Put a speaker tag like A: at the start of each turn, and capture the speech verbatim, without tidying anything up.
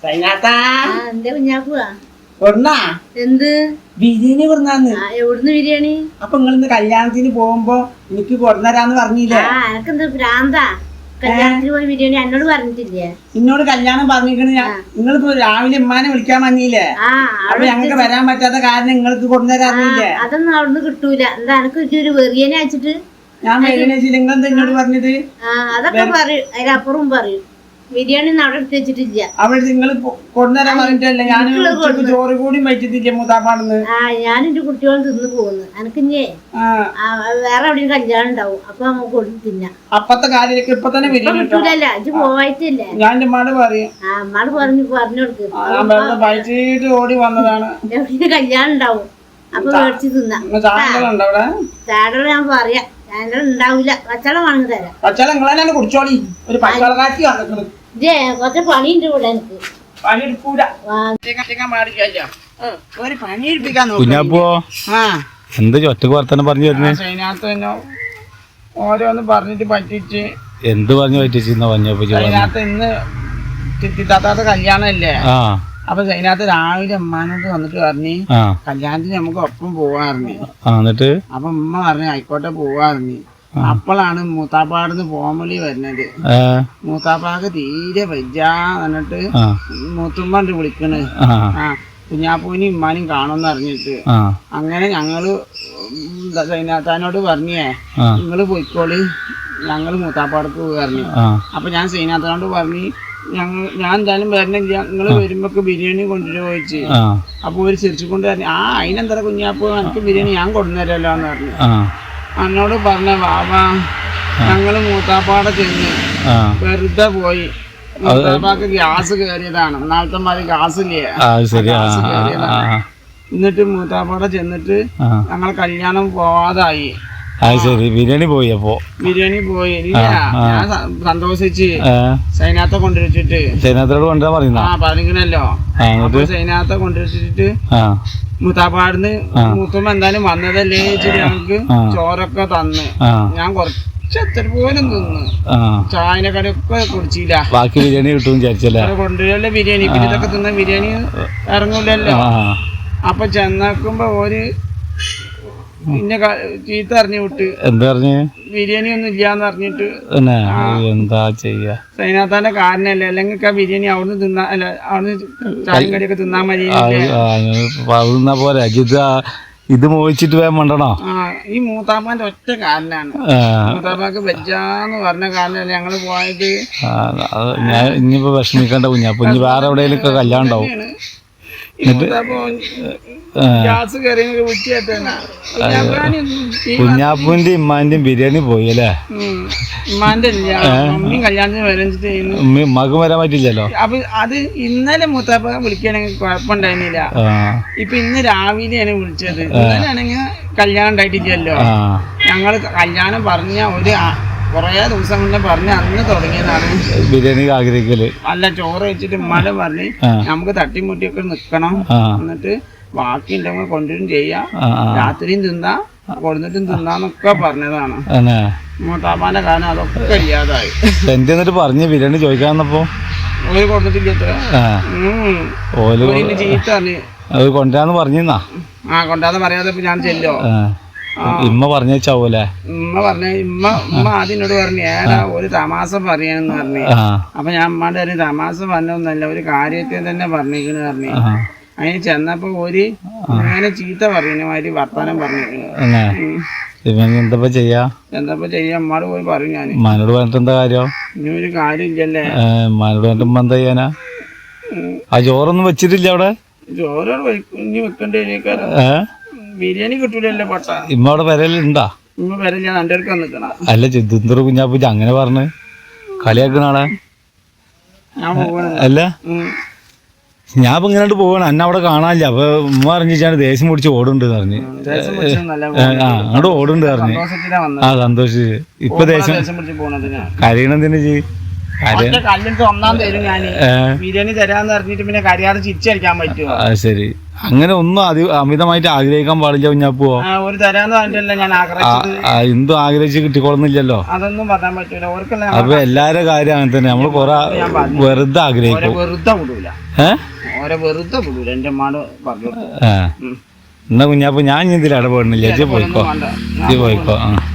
A: എന്ത് ബിരിയാണി കൊടുന്നാന്ന് എവിടുന്ന് ബിരിയാണി? അപ്പൊ നിങ്ങൾ ഇന്ന് കല്യാണത്തിന് പോകുമ്പോ എനിക്ക് കൊടുന്നരാന്ന് പറഞ്ഞില്ലേ? എനക്കെന്താ ഭ്രാന്താ? കല്യാണത്തിന് പോയി ബിരിയാണി എന്നോട് പറഞ്ഞിട്ടില്ലേ? എന്നോട് കല്യാണം പറഞ്ഞിരിക്കണ ഞാൻ. നിങ്ങളിപ്പോ രാവിലെ ഉമ്മാനെ വിളിക്കാൻ വന്നില്ലേ? അപ്പൊ ഞങ്ങൾക്ക് വരാൻ പറ്റാത്ത കാരണം നിങ്ങൾക്ക് കൊടുന്നരാന്നില്ലേ? അതൊന്നും അവിടുന്ന് കിട്ടൂല. എന്താ എനക്ക് ഒരു വെറിയനെ അയച്ചിട്ട് ഞാൻ വെറിയനെ വെച്ചില്ല. നിങ്ങൾ എന്താ എന്നോട് പറഞ്ഞത്? അതൊക്കെ പറയും, അതിലപ്പുറം പറയും. ബിരിയാണി അവിടെ എടുത്ത് വെച്ചിട്ടില്ല. അവിടെ നിങ്ങൾ കൊണ്ടുവരാൻ പറഞ്ഞിട്ടല്ലേ? ഞാൻ ചോറ് കൂടി വച്ചിട്ടില്ല മൂത്താപ്പാണെന്ന്. ആ ഞാൻ എന്റെ കുട്ടികൾ തിന്നു പോകുന്നു. എനക്കിഞ്ഞേ വേറെ എവിടെയും കല്യാണം ഉണ്ടാവും. അപ്പൊ നമുക്ക് കൊടുത്ത് തിന്നാം. അപ്പത്തെ കാര്യമൊക്കെ ഇപ്പൊ തന്നെ കിട്ടൂലല്ല. ഇത് പോവായിട്ടല്ലേ? ഞാൻ എന്റെ അമ്മാട് പറയും. ആ അമ്മാട് പറഞ്ഞു പറഞ്ഞു കൊടുക്ക്. പഴിച്ചിട്ട് ഓടി വന്നതാണ്. എവിടെ കല്യാണം ഉണ്ടാവും. അപ്പൊ മേടിച്ച് തിന്നാം. ചാടകൾ ഞാൻ പറയാം. ചാടകൾ ഉണ്ടാവില്ല. പച്ചവെള്ളം വാങ്ങി തരാം. പച്ചവെള്ളം നിങ്ങളെ കുടിച്ചോളി. ഒരു പച്ചവെള്ളം കാറ്റി വന്നിട്ടുണ്ട്. കൊറച്ച് പണിയുണ്ട് ഇവിടെ. എനിക്ക് പണിയെടുക്കൂല. ഒരു പണിയെടുപ്പിക്കാൻ
B: എന്ത് ഒറ്റക്ക് വർത്തനം പറഞ്ഞു
A: അതിനകത്ത് ഓരോന്ന് പറഞ്ഞിട്ട് പറ്റിച്ച്.
B: എന്ത് പറഞ്ഞു പറ്റിച്ചെന്ന് പറഞ്ഞപ്പോ
A: അതിനകത്ത് ഇന്ന് ചിത്തിത്താത്ത കല്യാണം അല്ലേ? അപ്പൊ അതിനകത്ത് രാവിലെ ഉമ്മാനോട് വന്നിട്ട് പറഞ്ഞു കല്യാണത്തിന് നമുക്ക് ഒപ്പം പോവാറിഞ്ഞു.
B: എന്നിട്ട്
A: അപ്പൊ ഉമ്മ പറഞ്ഞു ആയിക്കോട്ടെ പോവാറിഞ്ഞു. അപ്പോഴാണ് മൂത്താപ്പാടുന്ന് ഫോമലി വരുന്നത്. മൂത്താപ്പാക്ക് തീരെ വയ്യാ എന്നിട്ട് മൂത്തുമ്മണ്ട് വിളിക്കണ്. ആ കുഞ്ഞാപ്പൂനും ഉമ്മാനും കാണുമെന്ന് അറിഞ്ഞിട്ട് അങ്ങനെ ഞങ്ങള് സൈനാത്താനോട് പറഞ്ഞേ നിങ്ങള് പോയിക്കോളി, ഞങ്ങള് മൂത്താപ്പാടക്ക് പോയി പറഞ്ഞു. അപ്പൊ ഞാൻ സൈനാത്താനോട് പറഞ്ഞു ഞങ്ങൾ ഞാൻ എന്തായാലും വരണില്ല, നിങ്ങള് വരുമ്പോ ബിരിയാണി കൊണ്ടുവരുമോ ചോദിച്ചു. അപ്പൊ ഒരു ചിരിച്ചുകൊണ്ട് പറഞ്ഞു ആ അതിനെന്താ കുഞ്ഞാപ്പൂ എനിക്ക് ബിരിയാണി ഞാൻ കൊണ്ടുവരല്ലോ എന്ന് പറഞ്ഞു. എന്നോട് പറഞ്ഞ വാവാ ഞങ്ങള് മൂത്താപ്പാടെ ചെന്ന് വെറുതെ പോയി. മൂത്താപ്പാക്ക് ഗ്യാസ് കയറിയതാണ്. നാളത്തെ മാതിരി ഗ്യാസ് ഇല്ലേ? എന്നിട്ട് മൂത്താപ്പാടെ ചെന്നിട്ട് ഞങ്ങൾ കല്യാണം പോവാതായി.
B: ബിരിയാണി പോയി. അപ്പൊ ബിരിയാണി
A: പോയി. ഇല്ല ഞാൻ സന്തോഷിച്ച് സൈനാത്തെ കൊണ്ടുവച്ചിട്ട്
B: സൈനാത്തോട് കൊണ്ടുവരാൻ പറയുന്ന
A: ആ പറഞ്ഞിക്കണല്ലോ. അപ്പൊ സൈനാത്തെ കൊണ്ടുവച്ചിട്ട് മൂത്താപ്പാടിന്ന് മൂത്തുമ്പോ എന്തായാലും വന്നതല്ലേ വെച്ചിട്ട് ഞങ്ങക്ക് ചോറൊക്കെ തന്ന് ഞാൻ കുറച്ച് എത്ര പോലും തിന്നു. ചായനെ കടയൊക്കെ കുടിച്ചില്ല.
B: ബാക്കി ബിരിയാണി കിട്ടും വിചാരിച്ചല്ലേ?
A: കൊണ്ടുവരല്ലേ ബിരിയാണി. പിന്നെ ഇതൊക്കെ തിന്ന ബിരിയാണി ഇറങ്ങൂലല്ലോ. അപ്പൊ ചെന്നേക്കുമ്പോ ഒരു പിന്നെ ചീത്ത അറിഞ്ഞു വിട്ട്.
B: എന്താ പറഞ്ഞ്?
A: ബിരിയാണി ഒന്നും ഇല്ലാന്ന് പറഞ്ഞിട്ട്.
B: എന്താ ചെയ്യാ?
A: സൈനാത്താന്റെ കാരണല്ലേ? അല്ലെങ്കിൽ ആ ബിരിയാണി അവിടുന്ന് തിന്നാ അല്ല അവിടുന്ന് ചായം കടിയൊക്കെ തിന്നാൻ മതി.
B: തിന്നാ പോരാ ഇത് മോഹിച്ചിട്ട് വേഗം വേണ്ടണോ?
A: ആ ഈ മൂത്താപ്പാന്റെ ഒറ്റ കാരനാണ്. മൂത്താപ്പാക്ക് വെജാന്ന് പറഞ്ഞ കാരണല്ലേ ഞങ്ങള് പോയത്.
B: ഞാൻ ഇനിയിപ്പോ വിഷമിക്കണ്ട കുഞ്ഞാപ്പ. ഇനി വേറെ എവിടെയെങ്കിലും കല്യാണം ഉണ്ടാവും. കുഞ്ഞാപ്പൂന്റെ ഇമ്മാന്റെയും ബിരിയാണി പോയി അല്ലേ? ഉമ്മക്ക് വരാൻ പറ്റില്ലല്ലോ.
A: അപ്പൊ അത് ഇന്നലെ മൂത്താപ്പ വിളിക്കുകയാണെങ്കിൽ കുഴപ്പമുണ്ടായിരുന്നില്ല. ഇപ്പൊ ഇന്ന് രാവിലെയാണ് വിളിച്ചത്. ഇന്നലെ ആണെങ്കിൽ കല്യാണം ഉണ്ടായിട്ടില്ലല്ലോ. ഞങ്ങള് കല്യാണം പറഞ്ഞ ഒരു കൊറേ ദിവസം മുന്നേ പറഞ്ഞ അന്ന് തുടങ്ങിയതാണ്
B: ബിരിയാണി ആഗ്രഹിക്കല്.
A: അല്ല ചോറ് വെച്ചിട്ട് ഉമ്മാനെ പറഞ്ഞ് നമുക്ക് തട്ടിമുട്ടിയൊക്കെ നിക്കണം, എന്നിട്ട് ബാക്കി ഉണ്ടെങ്കിൽ കൊണ്ടുവരും ചെയ്യാം, രാത്രിയും തിന്നാ കൊടുത്തിട്ടും തിന്നാന്നൊക്കെ പറഞ്ഞതാണ്. മൂത്താപ്പാന്റെ കാരണം അതൊക്കെ ഇല്ലാതായി.
B: എന്നിട്ട് പറഞ്ഞു ബിരിയാണി ചോദിക്കാന്നപ്പോ
A: ഓര് കൊടുത്തിട്ടില്ല. ചീത്ത പറഞ്ഞു
B: കൊണ്ടുവരാന്ന് പറഞ്ഞാ.
A: ആ കൊണ്ടാന്ന് പറയാതെ ഞാൻ ചെല്ലോ.
B: ഇമ്മ പറഞ്ഞേച്ചാവൂലേ?
A: ഉമ്മ പറഞ്ഞ ഉമ്മ ഉമ്മ ആദ്യം എന്നോട് പറഞ്ഞു ഏടാ ഒരു തമാശ പറയാനെന്ന് പറഞ്ഞു. അപ്പൊ ഞാൻ ഉമ്മാന്റെ കാര്യം തമാശ പറഞ്ഞൊന്നല്ല, ഒരു കാര്യത്തെ തന്നെ പറഞ്ഞിരിക്കണ പറഞ്ഞു. അതിന് ചെന്നപ്പോ ഒരു അങ്ങനെ ചീത്ത പറയുന്ന മാതിരി വർത്താനം പറഞ്ഞിരിക്കണ.
B: എന്താ ചെയ്യാ?
A: എന്താ ചെയ്യാ? ഉമ്മാട് പോയി പറയും ഞാൻ.
B: ഉമ്മാനോട് പറഞ്ഞിട്ട് എന്താ കാര്യം?
A: ഇനി ഒരു കാര്യം ഇല്ലല്ലേ?
B: ഉമ്മാനോട് പറഞ്ഞിട്ട് ഉമ്മ എന്താ ചെയ്യാനാ? ആ ചോറൊന്നും വെച്ചിട്ടില്ല അവിടെ?
A: ചോറോട് ഇനി വെക്കണ്ടേ? ബിരിയാണി കിട്ടൂലല്ലോ പട്ട.
B: ഇമ്മ അവിടെ വരലുണ്ടാ?
A: ഇമ്മ വരല്ല, എൻ്റെ അടുത്ത് നിൽക്കണ.
B: അല്ല ചിന്തൂർ കുഞ്ഞാപ്പൂച്ച അങ്ങനെ പറഞ്ഞ് കളിയാക്കണാളെ അല്ല. ഞാൻ ഇപ്പൊ ഇങ്ങനെ പോവാണ്, എന്നെ അവിടെ കാണാനില്ല. അപ്പൊ ഉമ്മ അറിഞ്ഞാണ് ദേഷ്യം പിടിച്ച് ഓടുണ്ട് പറഞ്ഞ്. ആ അങ്ങോട്ട് ഓടുണ്ട് പറഞ്ഞ്. ആ സന്തോഷിച്ച്. ഇപ്പൊ ദേഷ്യം കരയണെന്തിനു ചെയ്
A: കല്ലിട്ട് ഒന്നാം തരും ഞാൻ ബിരിയാണി തരാന്ന് പറഞ്ഞിട്ട് പിന്നെ കരയാതെ ചിരിച്ചടിക്കാൻ പറ്റുമോ?
B: ശരി, അങ്ങനെ ഒന്നും അതി അമിതമായിട്ട് ആഗ്രഹിക്കാൻ പാടില്ല കുഞ്ഞാപ്പോ.
A: ഒരു തരാന്ന് പറഞ്ഞിട്ടല്ലേ ഞാൻ ആഗ്രഹിച്ചത്.
B: എന്തും ആഗ്രഹിച്ച് കിട്ടിക്കൊള്ളുന്നില്ലല്ലോ.
A: അതൊന്നും പറയാൻ പറ്റൂല. ഓർക്കല്ലേ
B: അപ്പൊ എല്ലാരുടെ കാര്യം അങ്ങനെ തന്നെ. നമ്മള് കൊറേ വെറുതെ ആഗ്രഹിക്കും.
A: വെറുതെ വിടൂല, ഓരോ വെറുതെ വിടൂല. എന്റെ മാട് പറഞ്ഞു
B: എന്നാ കുഞ്ഞാപ്പോ ഞാൻ ഇതിൽ ഇടപെടുന്നില്ല. ഇജ്ജ് പോയിക്കോ, ഇജ്ജ് പോയിക്കോ. ആ